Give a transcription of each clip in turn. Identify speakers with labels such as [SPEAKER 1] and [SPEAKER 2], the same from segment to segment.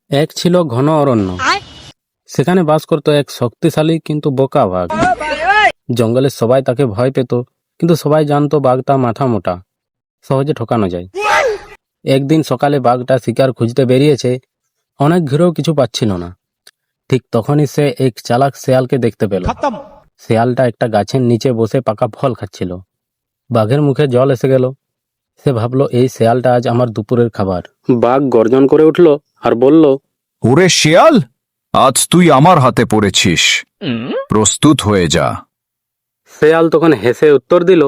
[SPEAKER 1] এক ছিল ঘন অরণ্য। সেখানে বাস করত এক শক্তিশালী কিন্তু বোকা বাঘ। জঙ্গলের সবাই তাকে ভয় পেত, কিন্তু সবাই জানতো বাঘটা মাথা মোটা, সহজে ঠকানো যায়। একদিন সকালে বাঘটা শিকার খুঁজতে বেরিয়েছে, অনেক ঘিরেও কিছু পাচ্ছিল না। ঠিক তখনই সে এক চালাক শেয়ালকে দেখতে পেল। শেয়ালটা একটা গাছের নিচে বসে পাকা ফল খাচ্ছিল। বাঘের মুখে জল এসে গেল। সে ভাবলো, এই শেয়ালটা আজ আমার দুপুরের খাবার। বাঘ গর্জন করে উঠল আর বলল,
[SPEAKER 2] ওরে শিয়াল, আজ তুই আমার হাতে পড়েছিস, প্রস্তুত হয়ে যা।
[SPEAKER 1] শেয়াল তখন হেসে উত্তর দিল,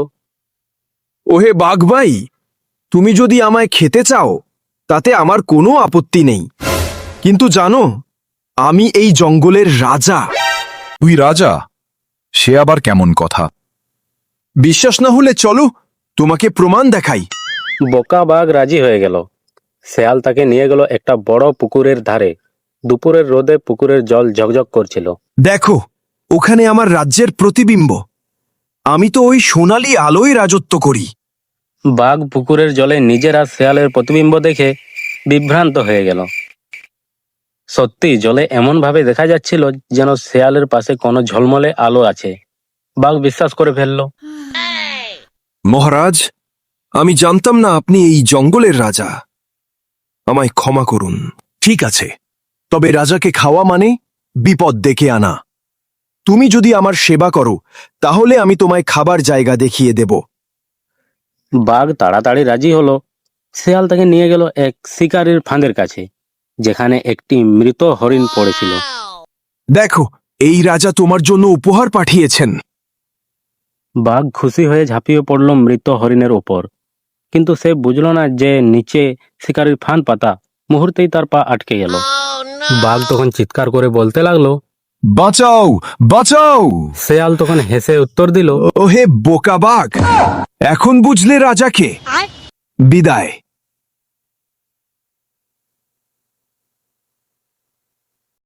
[SPEAKER 3] ওহে বাঘ ভাই, তুমি যদি আমায় খেতে চাও তাতে আমার কোনো আপত্তি নেই, কিন্তু জানো আমি এই জঙ্গলের রাজা।
[SPEAKER 2] তুই রাজা? সে আবার কেমন কথা?
[SPEAKER 3] বিশ্বাস না হলে চলো তোমাকে প্রমাণ দেখাই।
[SPEAKER 1] বোকা বাঘ রাজি হয়ে গেল। শেয়াল তাকে নিয়ে গেল একটা বড় পুকুরের ধারে। দুপুরের রোদে পুকুরের জল ঝকঝক করছিল।
[SPEAKER 3] দেখো, ওখানে আমার রাজ্যের প্রতিবিম্ব। আমি তো ওই সোনালী আলোয় রাজত্ব করি।
[SPEAKER 1] বাঘ পুকুরের জলে নিজের আর শেয়ালের প্রতিবিম্ব দেখে বিভ্রান্ত হয়ে গেল। সত্যি জলে এমন ভাবে দেখা যাচ্ছিল যেন শেয়ালের পাশে কোনো ঝলমলে আলো আছে। বাঘ বিশ্বাস করে ফেলল।
[SPEAKER 3] মহারাজ, আমি জানতাম না আপনি এই জঙ্গলের রাজা। আমায় ক্ষমা করুন। ঠিক আছে, তবে রাজাকে খাওয়া মানে বিপদ ডেকে আনা। তুমি যদি আমার সেবা করো তাহলে আমি তোমায় খাবার জায়গা দেখিয়ে দেব।
[SPEAKER 1] বাঘ তাড়াতাড়ি রাজি হলো। শেয়াল তাকে নিয়ে গেল এক শিকারীর ফাঁদের কাছে, যেখানে একটি মৃত হরিণ পড়েছিল।
[SPEAKER 3] দেখো, এই রাজা তোমার জন্য উপহার পাঠিয়েছেন।
[SPEAKER 1] বাঘ খুশি হয়ে ঝাঁপিয়ে পড়ল মৃত হরিণের উপর, কিন্তু সে বুঝল না যে নিচে শিকারীর ফাঁদ পাতা। মুহূর্তেই তার পা আটকে গেল। বাঘ তখন চিৎকার করে বলতে লাগলো,
[SPEAKER 2] বাঁচাও, বাঁচাও!
[SPEAKER 1] শেয়াল তখন হেসে উত্তর দিল,
[SPEAKER 3] ওহে বোকা বাঘ, এখন বুঝলে রাজাকে। বিদায়।